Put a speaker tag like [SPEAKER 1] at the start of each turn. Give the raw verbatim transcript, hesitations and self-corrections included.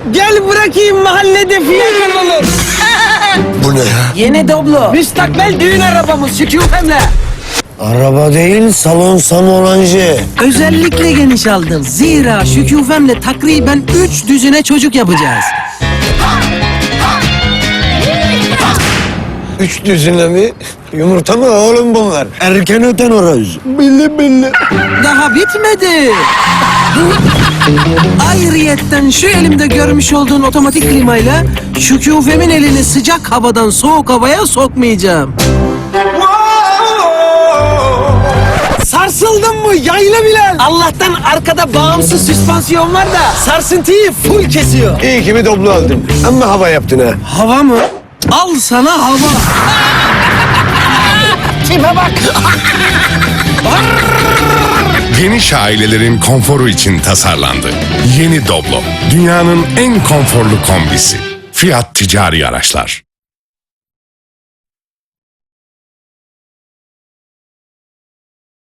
[SPEAKER 1] Gel bırakayım mahallede fiyakın olur.
[SPEAKER 2] Bu ne ya?
[SPEAKER 1] Yeni Doblo. Müstakbel düğün arabamız Şükufem'le.
[SPEAKER 2] Araba değil, salon samolancı.
[SPEAKER 1] Özellikle geniş aldım. Zira Şükufem'le takriben üç düzine çocuk yapacağız.
[SPEAKER 2] Üç düzine mi? Yumurta mı oğlum bunlar? Erken öten horoz. Billi billi.
[SPEAKER 1] Daha bitmedi. Ayrıyetten şu elimde görmüş olduğun otomatik klimayla Şükufem'in elini sıcak havadan soğuk havaya sokmayacağım. Sarsıldın mı yaylı Bilal? Allah'tan arkada bağımsız süspansiyon var da sarsıntıyı full kesiyor.
[SPEAKER 2] İyi ki bir doblo aldım. Ama hava yaptın ha.
[SPEAKER 1] Hava mı? Al sana hava. Tipe bak.
[SPEAKER 3] Geniş ailelerin konforu için tasarlandı. Yeni Doblo, dünyanın en konforlu kombisi. Fiat Ticari Araçlar.